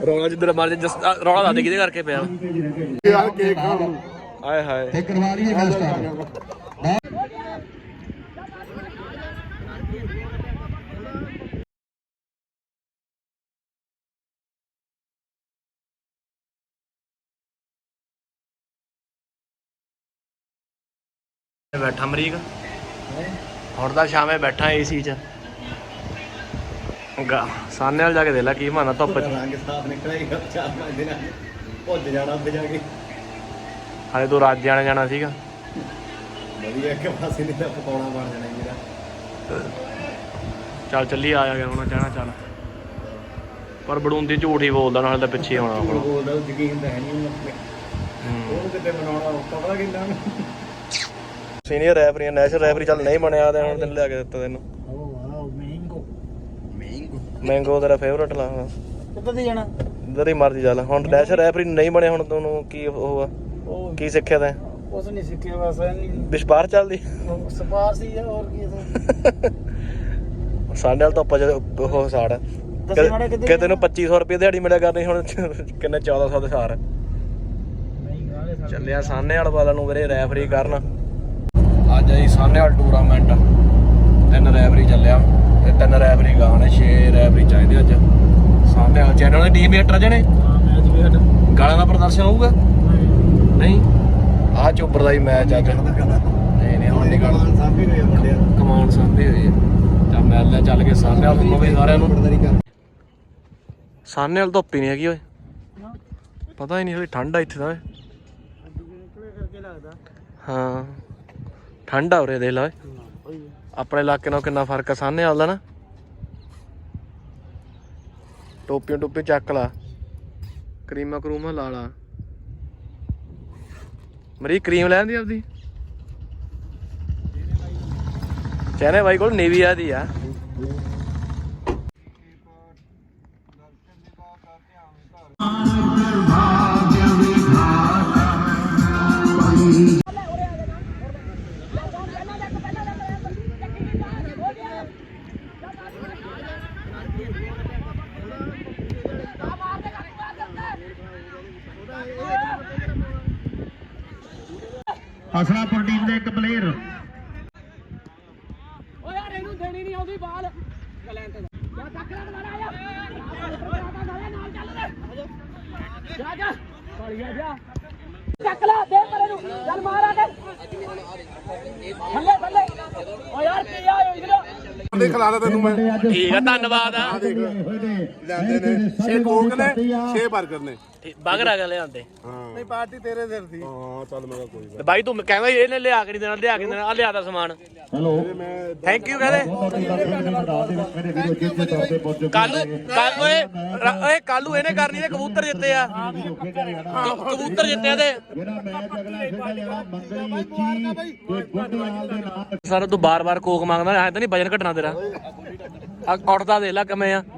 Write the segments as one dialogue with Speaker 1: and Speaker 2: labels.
Speaker 1: ਰੌਲਾ ਜਿੱਧਰ ਮਾਰ ਰੌਲਾ ਦੱਸ ਦੇ ਕਿਹਦੇ ਕਰਕੇ ਪਿਆ
Speaker 2: ਯਾਰ ਕੇਕ ਖਾਣ
Speaker 1: ਆਏ ਹਾਏ
Speaker 3: ਤੇ ਕਰਵਾ ਲਈਏ ਗੱਲ ਸਟਾਰਟ।
Speaker 1: ਬੈਠਾ ਅਮਰੀਕ ਹੁਣ ਤਾਂ ਸ਼ਾਮੇ ਬੈਠਾ ਏਸੀ ਚ ਸਾਹਨੇ ਵਾਲ ਜਾ ਕੇ ਦੇ ਲੈ ਕੀ ਮਾਨਾ ਧੁੱਪ ਚ
Speaker 2: ਰੰਗ ਸਾਫ ਨਿਕਲੇਗਾ 4-5 ਦਿਨਾਂ ਭੁੱਜ ਜਾਣਾ ਉੱਤੇ ਜਾ ਕੇ
Speaker 1: ਹਾਲੇ ਤੂੰ ਰਾਜ ਜਾਣਾ ਸੀਗਾ
Speaker 2: ਵਧੀਆ ਇੱਕ ਪਾਸੇ ਨਹੀਂ ਤਾਂ ਪਕੌੜਾ ਬਣ ਜਾਣਾ ਮੇਰਾ
Speaker 1: ਚੱਲ ਚੱਲੀ ਆ ਗਿਆ ਹੁਣ ਕਹਿਣਾ ਚੱਲ ਪਰ ਬੜੂੰਦੀ ਝੂਠ ਹੀ ਬੋਲਦਾ ਨਾਲੇ ਤਾਂ ਪਿੱਛੇ ਆਉਣਾ ਹੁਣ
Speaker 2: ਬੋਲਦਾ ਯਕੀਨ ਤਾਂ ਹੈ ਨਹੀਂ ਉਹਨੂੰ ਕਿਤੇ ਬਣਾਉਣਾ ਔਖਾ ਪਤਾ ਕਿੰਨਾ
Speaker 1: ਸੀਨੀਅਰ ਰੈਫਰੀ ਨੈਸ਼ਨਲ ਰੈਫਰੀ ਚੱਲ ਨਹੀਂ ਬਣਿਆ ਤੇ ਹੁਣ ਤੈਨੂੰ ਲਿਆ ਕੇ ਦਿੱਤਾ ਤੈਨੂੰ ਮੈਂਗੋ ਤੇਰਾ ਫੇਵਰਟ ਲਾ
Speaker 3: ਕਿੱਦਾਂ ਦੀ ਜਾਣਾ
Speaker 1: ਜਿੱਧਰ ਹੀ ਮਰਜੀ ਚੱਲ ਹੁਣ ਨੈਸ਼ਨਲ ਰੈਫਰੀ ਨਹੀਂ ਬਣਿਆ ਹੁਣ ਤੈਨੂੰ ਕੀ ਉਹ ਆ ਕੀ ਸਿੱਖਿਆ ਤੈਂ
Speaker 3: ਕੁਛ ਨਹੀਂ ਸਿੱਖਿਆ ਬਸ ਨਹੀਂ
Speaker 1: ਵਿਸ਼ਵਾਸ ਚੱਲਦੀ
Speaker 3: ਸਪਾਰਸ਼ ਹੀ ਆ ਹੋਰ ਕੀ
Speaker 1: ਸਾਡੇ ਨਾਲ ਤਾਂ ਆਪਾਂ ਉਹ ਸਾੜ ਕਿ ਤੈਨੂੰ 2500 ਰੁਪਏ ਦਿਹਾੜੀ ਮਿਲਿਆ ਕਰਨੀ ਹੁਣ ਕਿੰਨੇ 1400 ਦੇ ਸਾਰ ਚੱਲਿਆ ਸਾਹਨੇ ਵਾਲ ਵਾਲਾ ਨੂੰ ਵੀਰੇ ਰੈਫਰੀ ਕਰਨ ਅੱਜ ਆਈ ਸਾਹਨੇ ਵਾਲ ਟੂਰਨਾਮੈਂਟ 3 ਰੈਫਰੀ ਚੱਲਿਆ ਤੇ 3 ਰੈਫਰੀ ਗਾਣੇ 6 ਰੈਫਰੀ ਚਾਹੀਦੇ ਅੱਜ ਸਾਹਨੇ ਵਾਲ ਚੈਨਲ ਦੀ ਟੀਮ ਏਟਰ ਜਣੇ ਗਾਲਾਂ ਦਾ ਪ੍ਰਦਰਸ਼ਨ ਹੋਊਗਾ ਨਹੀਂ ਆਹ ਚੋਬਰ ਦਾ ਹੀ ਮੈਚ ਅੱਜ ਨਹੀਂ ਹੁਣ ਨਹੀਂ ਗਾਲਾਂ ਸਾਂਭੇ ਹੋਏ ਮੁੰਡੇ ਕਮਾਨ ਸਾਂਭੇ ਹੋਏ ਚੱਲ ਮੈਚ ਲੈ ਚੱਲ ਕੇ ਸਾਹਨੇ ਵਾਲ ਨੂੰ ਵੀ ਸਾਰਿਆਂ ਨੂੰ ਸਾਹਨੇ ਵਾਲ ਧੁੱਪ ਹੀ ਨਹੀਂ ਹੈਗੀ ਓਏ ਪਤਾ ਹੀ ਨਹੀਂ ਹੋਈ ਠੰਡ ਆ ਇੱਥੇ ਦਾ ਓਏ ਹਾਂ ਠੰਡ ਆ ਉਰੇ ਦੇਖ ਲਾ ਓਏ ਆਪਣੇ ਇਲਾਕੇ ਨਾਲ ਕਿੰਨਾ ਫਰਕ ਆ ਸਾਹਨੇ ਵਾਲ ਦਾ ਨਾ ਟੋਪੀਆਂ ਟੋਪੀ ਚੱਕ ਲਾ ਕਰੀਮਾਂ ਕਰੂਮਾਂ ਲਾ ਲਾ ਮਰੀ ਕਰੀਮ ਲੈ ਆਂਦੀ ਆਪਦੀ ਚੈਨੇ ਬਾਈ ਕੋਲ ਨੇਵੀਆ ਦੀ ਆ
Speaker 3: ਹਸਨਾਪੁਰ ਟੀਮ ਦੇ ਇੱਕ ਪਲੇਅਰ
Speaker 4: ਓ ਯਾਰ ਇਹਨੂੰ ਦੇਣੀ ਨਹੀਂ ਆਉਂਦੀ ਬਾਲ ਗਲੈਂਟ ਦਾ ਜਾ ਚੱਕ ਲੈ ਦੁਬਾਰਾ ਆ ਨਾਲ ਚੱਲ ਜਾ ਜਾ ਬੜੀਆ ਜਾ ਚੱਕ ਲੈ ਦੇ ਪਰੇ ਨੂੰ ਚੱਲ ਮਾਰ ਆ ਕੇ ਥੱਲੇ ਥੱਲੇ ਓ ਯਾਰ ਕੀ ਆ ਇਧਰ
Speaker 2: ਦੇ ਖਿਲਾਦਾ ਤੈਨੂੰ ਮੈਂ
Speaker 1: ਠੀਕ ਆ ਧੰਨਵਾਦ ਆ
Speaker 2: ਲੈਂਦੇ ਨੇ 6 ਕੋਕ ਨੇ 6 버ਗਰ ਨੇ
Speaker 1: ਬਗਰ ਆ ਗਿਆ ਲਿਆਂਦੇ
Speaker 2: ਨਹੀਂ ਪਾਰਟੀ ਤੇਰੇ ਸਿਰ ਸੀ ਹਾਂ ਚੱਲ ਮੈਂ ਕੋਈ
Speaker 1: ਤੇ ਬਾਈ ਤੂੰ ਕਹਿੰਦਾ ਇਹਨੇ ਲਿਆ ਕੇ ਨਹੀਂ ਦੇਣਾ ਆ ਲਿਆਦਾ ਸਮਾਨ
Speaker 3: ਹੈਲੋ
Speaker 1: ਥੈਂਕ ਯੂ ਕਹਿੰਦੇ ਕੱਲੂ ਇਹਨੇ ਕਰਨੀ ਤੇ ਕਬੂਤਰ ਜਿੱਤੇ ਆ ਕਬੂਤਰ ਜਿੱਤੇ ਤੇ
Speaker 3: ਜਿਹੜਾ ਮੈਚ ਅਗਲਾ ਖੇਡਿਆ ਜਾਣਾ ਮੰਗਲੀ ਉੱਚੀ ਤੇ ਗੁੱਡਵਾਲ ਦੇ ਨਾਲ
Speaker 1: ਸਰ ਤੂੰ ਬਾਰ-ਬਾਰ ਕੋਕ ਮੰਗਦਾ ਐ ਤਾਂ ਨਹੀਂ ਵਜਨ ਘਟਣਾ ਤੇਰਾ ਉੱਠਦਾ ਦੇਖ ਲੈ ਕਿਵੇਂ ਆ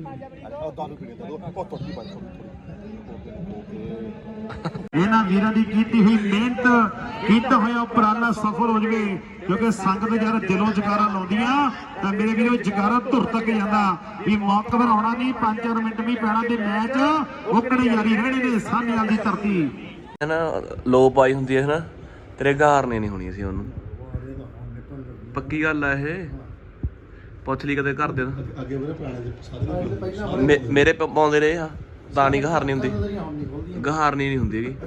Speaker 3: ਇਹਨਾਂ ਵੀਰਾਂ ਦੀ ਕੀਤੀ ਹੋਈ ਮਿਹਨਤ ਕੀਤਾ ਹੋਇਆ ਉਪਰਾਲਾ ਸਫਲ ਹੋ ਜਵੇ ਕਿਉਂਕਿ ਸੰਗਤ ਜਦ ਦਿਲੋਂ ਜਕਾਰਾ ਲਾਉਂਦੀਆਂ ਤਾਂ ਮੇਰੇ ਵੀਰੋ ਜਕਾਰਾ ਧੁਰ ਤੱਕ ਜਾਂਦਾ ਵੀ ਮੌਕਾ ਬਣਾਉਣਾ ਨਹੀਂ 5-4 ਮਿੰਟ ਵੀ ਪੈਣਾ ਤੇ ਮੈਚ ਓਕਣੇ ਜਾਰੀ ਰਹਿਣੇ ਨੇ ਸਾਹਨੇ ਵਾਲੀ ਧਰਤੀ
Speaker 1: ਹੈ ਨਾ ਲੋ ਪਾਈ ਹੁੰਦੀ ਹੈ ਨਾ ਤੇਰੇ ਗਾਰਨੇ ਨਹੀਂ ਹੋਣੀ ਸੀ ਉਹਨੂੰ ਪੱਕੀ ਗੱਲ ਆ ਇਹ ਪੁੱਛ ਲਈ ਕਦੇ ਘਰ ਦੇ
Speaker 2: ਅੱਗੇ ਮੇਰੇ ਪੁਰਾਣੇ ਸਾਰੇ
Speaker 1: ਮੇਰੇ ਪਾਉਂਦੇ ਰਹੇ ਆ ਤਾਂ ਨਹੀਂ ਗਹਾਰਨੀ ਹੁੰਦੀ ਗਹਾਰਨੀ ਨਹੀਂ ਹੁੰਦੀ ਹੈਗੀ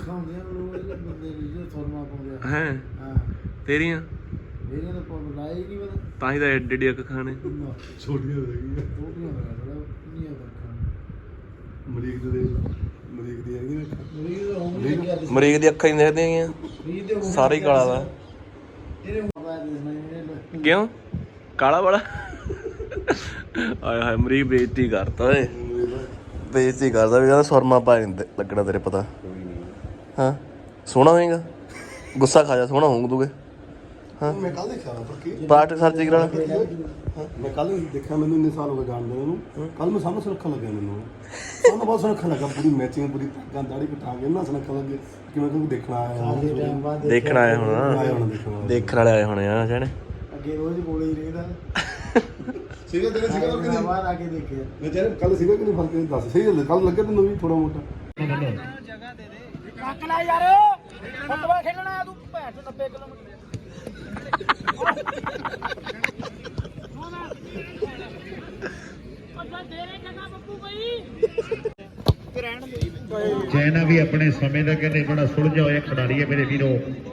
Speaker 1: ਹੈ ਤੇਰੀਆਂ ਤਾਂ ਹੀ ਤਾਂ ਏਡੇ ਏਡੇ ਅੱਖ ਖਾਣੇ
Speaker 2: ਛੋਟੀਆਂ ਹੋ ਗਈਆਂ ਮਰੀਕ ਦੀ ਹੈਗੀ
Speaker 1: ਮਰੀਕ ਦੀ ਅੱਖਾਂ ਹੀ ਦੇਖਦੇ ਹੈਗੀਆਂ ਸਾਰੇ ਹੀ ਕਾਲਾ ਦਾ ਕਿਉਂ ਕਾਲਾ ਵਾਲਾ ਆਏ ਹਾਏ ਮਰੀਕ ਬੇਇੱਜ਼ਤੀ ਕਰਤਾ ਓਏ ਬੇਇੱਜ਼ਤੀ ਕਰਦਾ ਵੀ ਕਹਿੰਦਾ ਸੁਰਮਾ ਪਾ ਨਹੀਂ ਲੱਗਣਾ ਤੇਰੇ ਪਤਾ ਹਾਂ ਸੋਹਣਾ ਹੋਏਗਾ ਗੁੱਸਾ ਖਾ ਜਾ ਸੋਹਣਾ ਹੋਊਗਾ ਹਾਂ
Speaker 2: ਮੈਂ ਕੱਲ ਦੇਖਿਆ ਪੱਕੀ
Speaker 1: ਪਲਾਸਟਿਕ ਸਰਜਰੀ ਕਰਾਣਾ
Speaker 2: ਮੈਂ ਕੱਲ ਦੇਖਿਆ ਮੈਨੂੰ ਇੰਨੇ ਸਾਲ ਹੋ ਗਏ ਜਾਣਦੇ ਨੂੰ ਕੱਲ ਮੈਂ ਸਾਹਮਣੇ ਸੁਰੱਖਾ ਲੱਗਿਆ ਮੈਨੂੰ ਸਾਨੂੰ ਬਹੁਤ ਸੁਰੱਖਾ ਲੱਗਾ ਪੂਰੀ ਮੈਚਿੰਗ ਪੂਰੀ ਪੱਗਾਂ ਦਾੜੀ ਕਟਾ ਕੇ ਨਾ ਸੁਰੱਖਾ ਲੱਗੇ ਕਿ ਮੈਂ ਤੁਹਾਨੂੰ ਦੇਖਣਾ ਆਇਆ
Speaker 1: ਦੇਖਣ ਆਏ ਹੁਣ ਦੇਖਣ ਵਾਲੇ ਆਏ ਹੋਣੇ ਆ ਜਾਣੇ
Speaker 3: ਅੱਗੇ ਰੋਜ਼ ਕੋਲੇ ਹੀ ਰਹਿੰਦਾ
Speaker 2: ਸੀਗਾ ਤੇਰੇ ਸੀਗਾ ਕਿ ਨਹੀਂ
Speaker 5: ਬਾਹਰ ਆ ਕੇ ਦੇਖਿਆ
Speaker 2: ਮੈਂ ਚਾਹ ਕੱਲ ਸੀਗਾ ਕਿ ਨਹੀਂ ਫਰਕ ਇਹ ਦੱਸ ਸਹੀ ਗੱਲ ਕੱਲ ਲੱਗਿਆ ਤੈਨੂੰ ਵੀ ਥੋੜਾ ਮੋਟਾ
Speaker 4: ਕੱਕ ਲੈ ਯਾਰ ਫੁੱਟਬਾਲ ਖੇਡਣਾ ਤੂੰ ਭੈਣ ਚੋਂ 90 ਕਿਲੋਮੀਟਰ
Speaker 3: ਚੈਨਾ ਵੀ ਆਪਣੇ ਸਮੇਂ ਦਾ ਕਹਿੰਦੇ ਬੜਾ ਸੁਲਝਿਆ ਹੋਇਆ ਖਿਡਾਰੀ ਹੈ ਮੇਰੇ ਵੀਰੋ।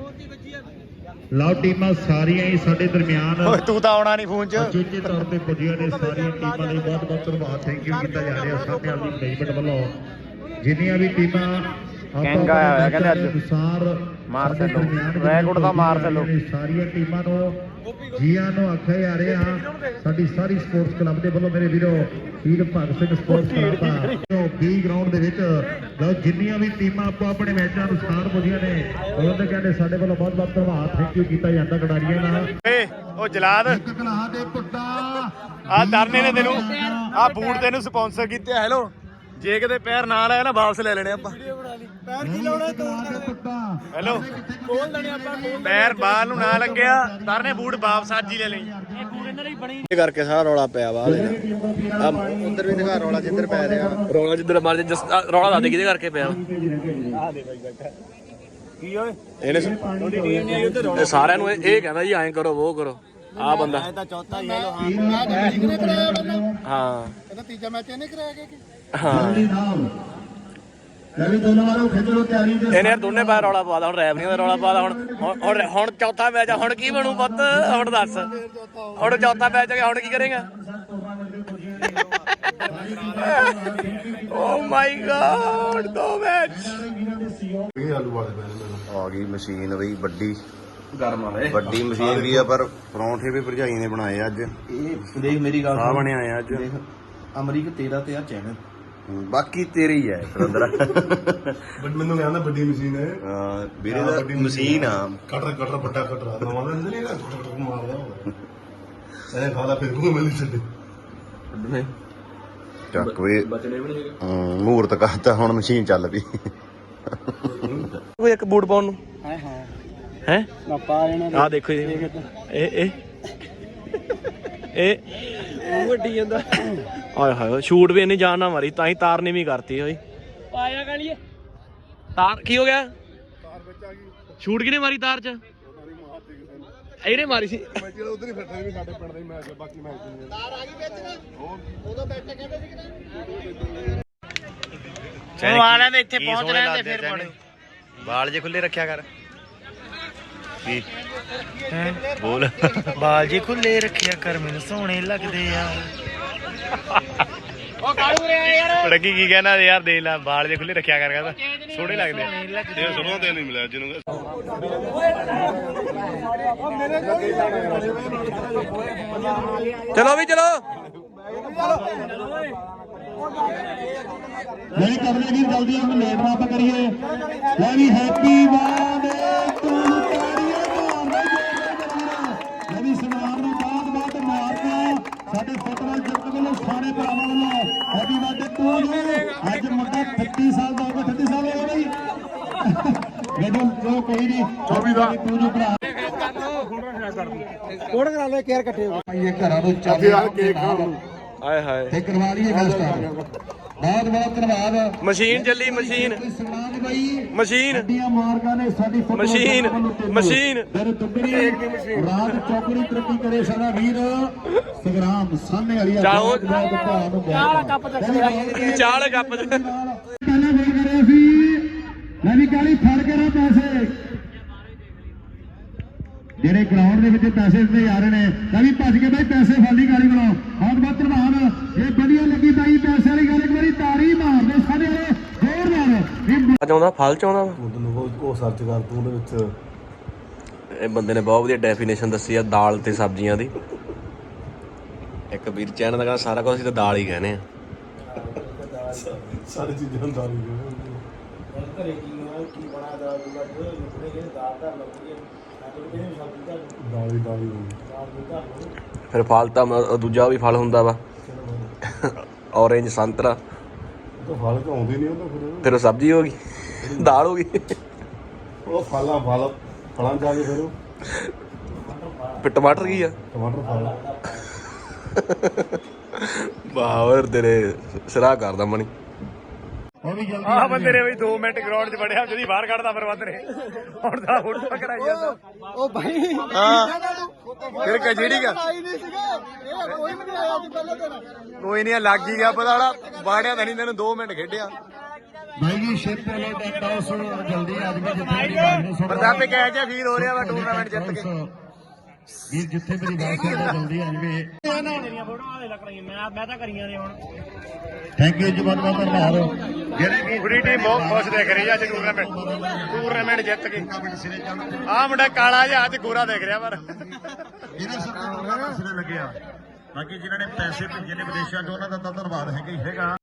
Speaker 3: ਲਓ ਟੀਮਾਂ ਸਾਰੀਆਂ ਹੀ ਸਾਡੇ ਦਰਮਿਆਨ
Speaker 5: ਤੂੰ ਤਾਂ ਆਉਣਾ ਨਹੀਂ ਫੋਨ 'ਚ
Speaker 3: ਅਚੇਤੇ ਤੌਰ ਤੇ ਪੁੱਜੀਆਂ ਨੇ। ਸਾਰੀਆਂ ਟੀਮਾਂ ਲਈ ਬਹੁਤ ਬਹੁਤ ਧੰਨਵਾਦ, ਥੈਂਕ ਯੂ ਕੀਤਾ ਜਾ ਰਿਹਾ ਸਾਹਮਣੇ ਵਾਲੀ ਮੈਨੇਜਮੈਂਟ ਵੱਲੋਂ। ਜਿੰਨੀਆਂ ਵੀ ਟੀਮਾਂ
Speaker 5: ਕਹਿੰਗਾ ਹੋਇਆ ਕਹਿੰਦੇ ਅੱਜ
Speaker 3: ਅਨੁਸਾਰ
Speaker 5: ਮਾਰ ਚੱਲੋ ਰੈਕੋਰਡ ਦਾ ਮਾਰ ਚੱਲੋ।
Speaker 3: ਸਾਰੀਆਂ ਟੀਮਾਂ ਨੂੰ ਜੀਆਂ ਨੂੰ ਆਖਿਆ ਜਾ ਰਿਹਾ ਸਾਡੀ ਸਾਰੀ ਸਪੋਰਟਸ ਕਲੱਬ ਦੇ ਵੱਲੋਂ ਮੇਰੇ ਵੀਰੋ ਵੀਰ ਭਗਤ ਸਿੰਘ ਸਪੋਰਟਸ ਕਲੱਬ ਦਾ ਬੀ ਗਰਾਊਂਡ ਦੇ ਵਿੱਚ ਲਓ ਜਿੰਨੀਆਂ ਵੀ ਟੀਮਾਂ ਆਪੋ ਆਪਣੇ ਮੈਚਾਂ ਅਨੁਸਾਰ ਪੁੱਜੀਆਂ ਨੇ ਉਹਨਾਂ ਦੇ ਕਹਿੰਦੇ ਸਾਡੇ ਵੱਲੋਂ ਬਹੁਤ ਬਹੁਤ ਧੰਨਵਾਦ, ਥੈਂਕ ਯੂ ਕੀਤਾ ਜਾਂਦਾ ਖਿਡਾਰੀਆਂ ਨਾਲ।
Speaker 5: ਉਹ ਜਲਾਦ
Speaker 3: ਇੱਕ ਕਲਾਹ ਦੇ ਪੁੱਟਾ
Speaker 5: ਆ ਦਰਨੇ ਨੇ ਤੈਨੂੰ ਆ ਬੂਟ ਤੈਨੂੰ ਸਪਾਂਸਰ ਕੀਤੇ। ਹੈਲੋ ਜੇ ਕਿਤੇ ਪੈਰ ਨਾ ਲਾਇਆ ਨਾ ਵਾਪਸ ਲੈ ਲੈਣੇ ਆਪਾਂ।
Speaker 3: ਪੈਰ ਕੀ ਲਾਉਣਾ ਪੁੱਟਾ
Speaker 5: ਹੈਲੋ ਖੋਲ ਦੇਣੇ ਆਪਾਂ। ਪੈਰ ਬਾਹਰ ਨੂੰ ਨਾ ਲੱਗਿਆ ਦਰਨੇ ਬੂਟ ਵਾਪਸ ਅੱਜ ਹੀ ਲੈ ਲਈ।
Speaker 1: ਇਹ ਕਰਕੇ ਸਾਰਾ ਰੌਲਾ ਪਿਆ ਵਾ
Speaker 5: ਉਧਰ ਵੀ ਦਿਖਾ ਰੌਲਾ ਜਿੱਧਰ ਪੈ ਰਿਹਾ।
Speaker 1: ਰੌਲਾ ਜਿੱਧਰ ਮਰ ਰੌਲਾ ਦੱਸ ਦੇ ਕਿਹਦੇ ਕਰਕੇ ਪਿਆ
Speaker 5: ਕੀ ਓਏ
Speaker 1: ਇਹਨੇ ਇਹ ਸਾਰਿਆਂ ਨੂੰ ਇਹ ਕਹਿੰਦਾ ਜੀ ਐਂ ਕਰੋ ਉਹ ਕਰੋ ਆ ਬੰਦਾ
Speaker 5: ਤਾਂ ਚੌਥਾ ਹੀ ਹੈਲੋ
Speaker 1: ਹਾਂ
Speaker 2: ਇਹਦਾ ਤੀਜਾ ਮੈਚ ਇਹਨੇ ਕਰਾਇਆ ਕਿ
Speaker 1: ਹਾਂ
Speaker 3: ਰਵੀ ਦੋਨੋਂ ਵਾਲੋਂ ਖਿੱਚ ਲੋ ਤਿਆਰੀ ਦੇ
Speaker 1: ਇਹਨੇ ਯਾਰ ਦੋਨੇ ਬਾਹਰ ਰੌਲਾ ਪਾਦਾ ਹੁਣ ਰੈਫਰੀਆਂ ਦਾ ਰੌਲਾ ਪਾਦਾ ਹੁਣ ਚੌਥਾ ਮੈਚ ਆ ਹੁਣ ਕੀ ਬਣੂ ਪੁੱਤ ਹੁਣ ਦੱਸ ਹੁਣ ਚੌਥਾ ਮੈਚ ਆ ਗਿਆ ਹੁਣ ਕੀ ਕਰੇਗਾ ਓ ਮਾਈ ਗॉड ਦੋ ਮੈਚ
Speaker 2: ਇਹ ਆਲੂ ਵਾਲੇ ਪੈਣੇ
Speaker 6: ਆ ਗਈ ਮਸ਼ੀਨ ਬਈ ਵੱਡੀ
Speaker 1: ਗਰਮ ਆਵੇ
Speaker 6: ਵੱਡੀ ਮਸ਼ੀਨ ਵੀ ਆ ਪਰ ਪਰੌਂਠੇ ਵੀ ਭਰਜਾਈ ਨੇ ਬਣਾਏ ਅੱਜ।
Speaker 5: ਇਹ ਦੇਖ ਮੇਰੀ ਗੱਲ
Speaker 6: ਆ ਬਣਿਆ ਆ ਅੱਜ।
Speaker 5: ਦੇਖ ਅਮਰੀਕ ਤੇਰਾ ਤੇ ਆ ਚੈਨਲ
Speaker 6: ਬਾਕੀ ਤੇਰੇ ਹੀ ਹੈ ਸੁਰਿੰਦਰ।
Speaker 2: ਬਟ ਮੈਨੂੰ ਕਹਿੰਦਾ ਵੱਡੀ ਮਸ਼ੀਨ ਹੈ
Speaker 6: ਵੀਰੇ ਦਾ ਮਸ਼ੀਨ ਆ
Speaker 2: ਕਟਰ ਵੱਡਾ ਕਟਰ ਨਵਾਂ ਲੈਂਦੇ ਨਹੀਂ ਨਾ ਕਟਰ ਮਾਰਦਾ ਹੋਵੇ ਐ ਖਾਦਾ ਫਿਰ ਕੋ ਮਿਲ ਛੱਡੇ
Speaker 6: ਚੱਕ ਵੇ
Speaker 1: ਬਚਣੇ ਵੀ ਨਹੀਂ
Speaker 6: ਮੂਰਤ ਕਰਤਾ ਹੁਣ ਮਸ਼ੀਨ ਚੱਲ ਪਈ।
Speaker 1: ਕੋਈ ਇੱਕ ਬੂਟ ਪਾਉਣ ਨੂੰ
Speaker 5: ਹਾਂ ਹਾਂ
Speaker 1: ਹੈ
Speaker 5: ਨਾ ਪਾ ਲੈਣਾ
Speaker 1: ਆ ਦੇਖੋ ਜੀ ਇਹ ਵੱਡੀ ਜਾਂਦਾ ਆਏ ਹਾਏ ਸ਼ੂਟ ਵੀ ਇੰਨੀ ਜਾਨ ਨਾ ਮਾਰੀ ਤਾਂ ਹੀ ਤਾਰ ਨੇ ਵੀ ਕਰਤੀ ਹੋਈ ਆਇਆ ਗਾਲੀਏ ਤਾਰ ਕੀ ਹੋ ਗਿਆ ਤਾਰ ਵਿੱਚ ਆ ਗਈ ਸ਼ੂਟ ਕਿਹਨੇ ਮਾਰੀ ਤਾਰ ਚ ਇਹਨੇ ਮਾਰੀ ਸੀ
Speaker 2: ਮੈਚ ਜਿਹੜਾ ਉਧਰ ਹੀ ਫਿਰਦਾ ਵੀ ਸਾਡੇ ਪਿੰਡ ਦਾ ਹੀ ਮੈਚ ਬਾਕੀ ਮੈਚ ਨਹੀਂ ਤਾਰ ਆ ਗਈ ਵਿੱਚ ਨਾ ਉਦੋਂ ਬੈਠੇ ਕਹਿੰਦੇ ਸੀ ਕਿ
Speaker 5: ਉਹ ਆਣਾ ਤੇ ਇੱਥੇ ਪਹੁੰਚ ਰਹੇ ਤੇ ਫਿਰ ਬੜੇ
Speaker 6: ਬਾਲ ਜੇ ਖੁੱਲੇ ਰੱਖਿਆ ਕਰ ਕੀ
Speaker 5: ਬੋਲ ਬਾਲ ਜੀ ਖੁੱਲੇ ਰੱਖਿਆ ਕਰ ਮੈਨੂੰ ਸੋਹਣੇ ਲੱਗਦੇ ਆ। ਉਹ ਕਾਲੂ ਰੇ ਯਾਰ
Speaker 6: ਲੜਕੀ ਕੀ ਕਹਿਣਾ ਯਾਰ ਦੇ ਲੈ ਬਾਲ ਜੇ ਖੁੱਲੇ ਰੱਖਿਆ ਕਰ ਕਹਿੰਦਾ ਸੋਹਣੇ ਲੱਗਦੇ
Speaker 2: ਇਹ ਸੁਣੋ ਤੇ ਨਹੀਂ ਮਿਲਿਆ ਜਿਹਨੂੰ
Speaker 1: ਚਲੋ ਵੀ ਚਲੋ
Speaker 3: ਨਹੀਂ ਕਰਦੇ ਵੀਰ ਜਲਦੀ ਆਪਾਂ ਲੇਟ ਨਾ ਆਪਾਂ ਕਰੀਏ। ਲੈ ਵੀ ਹੈਪੀ ਬਰਥਡੇ ਟੂ ਲੈ ਵੀ ਸਨਮਾਨ ਨੂੰ ਬਾਤ ਮਾਰਦਾ ਸਾਡੇ ਫੁੱਟਬਾਲ ਜਗਤ ਵੱਲੋਂ ਸਾਰੇ ਭਰਾਵਾਂ ਵੱਲੋਂ ਹੈਪੀ ਬਰਥਡੇ ਟੂ ਯੂ। ਅੱਜ ਮੁੰਡਾ 33 ਸਾਲ ਦਾ ਹੋ ਗਿਆ 33 ਸਾਲ ਹੋ ਗਏ ਬਈ ਮੈਨੂੰ ਜੋ ਕੋਈ ਨਹੀਂ 24 ਦਾ ਟੂ ਯੂ ਭਰਾ
Speaker 5: ਕੋੜ ਕਰਾ ਲੈ ਕੇਅਰ ਇਕੱਠੇ ਹੋ
Speaker 3: ਇਹ ਘਰਾਂ ਨੂੰ ਚਾਬੀ
Speaker 2: ਯਾਰ ਕੇਕ ਖਾਣ ਨੂੰ
Speaker 1: ਆਏ ਹਾਏ
Speaker 3: ਤੇ ਕਰਵਾ ਲਈਏ ਗੱਲ ਸਟਾਰਟ। ਬਹੁਤ ਬਹੁਤ ਧੰਨਵਾਦ।
Speaker 1: ਮਸ਼ੀਨ ਚੱਲੀ ਮਸ਼ੀਨ
Speaker 3: ਸਨਮਾਨ ਬਾਈ
Speaker 1: ਮਸ਼ੀਨ
Speaker 3: ਵੱਡੀਆਂ ਮਾਰਕਾਂ ਨੇ ਸਾਡੀ ਫੁੱਟਬਾਲ
Speaker 1: ਮਸ਼ੀਨ,
Speaker 3: ਵੱਲੋਂ ਤਿੰਨ।
Speaker 1: ਮਸ਼ੀਨ।
Speaker 3: ਫਿਰ ਦੁੱਗਣੀ ਰਾਤ ਚੌਕੜੀ ਤਰੱਕੀ ਕਰੇ ਸਾਡਾ ਵੀਰ ਸੰਗਰਾਮ ਸਾਹਮਣੇ ਵਾਲੀ ਆ
Speaker 1: ਚਾਹੋ।
Speaker 3: ਚਾਲ ਕੱਪ
Speaker 1: ਚਾਲ ਕੱਪ ਚ
Speaker 3: ਪਹਿਲਾਂ ਬੋਲ ਕਰਿਆ ਸੀ ਮੈਂ ਵੀ ਕਾਲੀ ਫੜ ਕੇ ਨਾ ਪੈਸੇ ਜਿਹੜੇ ਗਰਾਊਂਡ ਦੇ ਵਿੱਚ ਪੈਸੇ ਦਿੱਤੇ ਜਾ ਰਹੇ ਨੇ ਤਾਂ ਵੀ ਭੱਜ ਕੇ ਬਾਈ ਪੈਸੇ ਫਾਲੀ ਗਾਲੀ ਬਣਾਓ। ਬਹੁਤ ਬਹੁਤ ਧੰਨਵਾਦ। ਇਹ ਵਧੀਆ ਲੱਗੀ ਬਾਈ ਪੈਸੇ ਵਾਲੀ ਗੱਲ ਇੱਕ ਵਾਰੀ ਤਾੜੀ ਮਾਰਦੇ ਸਾਡੇ ਵਾਲੇ ਜ਼ੋਰਦਾਰ ਵੀ
Speaker 1: ਚਾਹੁੰਦਾ ਫਲ ਚਾਹੁੰਦਾ
Speaker 2: ਉਹ ਸਰਚ ਕਰ ਤੂੰ ਉਹਦੇ ਵਿੱਚ
Speaker 1: ਇਹ ਬੰਦੇ ਨੇ ਬਹੁਤ ਵਧੀਆ ਡੈਫੀਨੇਸ਼ਨ ਦੱਸੀ ਆ ਦਾਲ ਤੇ ਸਬਜ਼ੀਆਂ ਦੀ। ਇੱਕ ਵੀਰ ਚੈਨਲ ਦਾ ਕਹਿੰਦਾ ਸਾਰਾ ਕੁਝ ਅਸੀਂ ਤਾਂ ਦਾਲ ਹੀ ਕਹਿੰਦੇ ਆ।
Speaker 2: ਸਾਰੀ ਚੀਜ਼ਾਂ ਦਾ
Speaker 5: ਘਰੇ ਕੀ ਬਣਾ ਦਾ ਦਾਲ ਧਰ ਲਓ
Speaker 2: ਦਾਲੀ
Speaker 1: ਫਿਰ ਫਲ ਤਾਂ ਦੂਜਾ ਵੀ ਫਲ ਹੁੰਦਾ ਵਾ ਔਰੇਂਜ ਸੰਤਰਾ
Speaker 2: ਤਾਂ ਫਲ ਤਾਂ ਆਉਂਦੇ ਨਹੀਂ ਉਹ
Speaker 1: ਫਿਰ ਉਹ ਸਬਜ਼ੀ ਹੋ ਗਈ ਦਾਲ ਹੋ ਗਈ
Speaker 2: ਉਹ ਫਲਾਂ ਜਾ ਕੇ ਫਿਰ
Speaker 1: ਫਿਰ ਟਮਾਟਰ ਕੀ ਆ
Speaker 2: ਟਮਾਟਰ ਫਲ
Speaker 1: ਬਾਹਰ ਤੇਰੇ ਸਿਰਾ ਕਰਦਾ ਮਣੀ।
Speaker 3: ਉਹ ਵੀ ਜਲਦੀ
Speaker 5: ਆਹ ਬੰਦੇ ਨੇ ਬਈ 2 ਮਿੰਟ ਗਰਾਊਂਡ 'ਚ ਵੜਿਆ ਜਦੀ ਬਾਹਰ ਕੱਢਦਾ ਫਿਰ ਬੰਦੇ ਨੇ ਹੁਣ ਤਾਂ ਫੋਟੋ ਕਰਾਈ ਜਾਂਦਾ।
Speaker 2: ਉਹ ਭਾਈ
Speaker 5: ਹਾਂ ਫਿਰ ਕਜੀੜੀ ਗਾ
Speaker 2: ਨਹੀਂ ਸੀਗਾ ਇਹ ਕੋਈ ਵੀ ਨਹੀਂ ਆਇਆ ਅੱਜ ਪਹਿਲੇ ਦਿਨ।
Speaker 5: ਕੋਈ ਨਹੀਂ ਲੱਗ ਹੀ ਗਿਆ ਪਤਾ ਹੁਣ ਬਾੜਿਆ ਤਾਂ ਨਹੀਂ ਤੈਨੂੰ 2 ਮਿੰਟ ਖੇਡਿਆ।
Speaker 3: ਭਾਈ ਜੀ ਸ਼ਿਪ ਵਾਲੇ ਦਾ ਟਾਸ ਜਲਦੀ ਅੱਜ ਵੀ ਜਿੱਥੇ ਮੇਰੀ ਬਾਤ ਨੂੰ ਸੁਣ
Speaker 5: ਪ੍ਰਤਾਪੇ ਕਹਿ ਕੇ ਫੀਲ ਹੋ ਰਿਹਾ ਵਾ ਟੂਰਨਾਮੈਂਟ ਜਿੱਤ ਕੇ।
Speaker 3: ਵੀਰ ਜਿੱਥੇ ਮੇਰੀ ਬਾਤ ਸੁਣ ਜਲਦੀ ਆ ਜਵੇ।
Speaker 4: ਮੈਂ ਤਾਂ ਕਰੀਆਂ ਨੇ ਹੁਣ
Speaker 3: ਥੈਂਕ ਯੂ ਜੀ ਬਹੁਤ ਬਹੁਤ ਧੰਨਵਾਦ। ਜਿਹੜੇ ਵੀ
Speaker 5: ਪੂਰੀ ਟੀਮ ਬਹੁਤ ਖੁਸ਼ ਦੇਖ ਰਹੀ ਆ ਅੱਜ ਟੂਰਨਾਮੈਂਟ ਜਿੱਤ ਕੇ। ਆਹ ਮੁੰਡਾ ਕਾਲਾ ਜਿਹਾ ਅੱਜ ਗੋਰਾ ਦੇਖ ਰਿਹਾ ਪਰ
Speaker 3: ਇਹਨਾਂ ਸਰਕਾਰ ਦਾ ਸਿਰੇ ਲੱਗਿਆ। ਬਾਕੀ ਜਿਨ੍ਹਾਂ ਨੇ ਪੈਸੇ ਭੇਜੇ ਨੇ ਵਿਦੇਸ਼ਾਂ 'ਚ ਉਹਨਾਂ ਦਾ ਤਾਂ ਧੰਨਵਾਦ ਹੈਗਾ ਹੀ ਹੈਗਾ।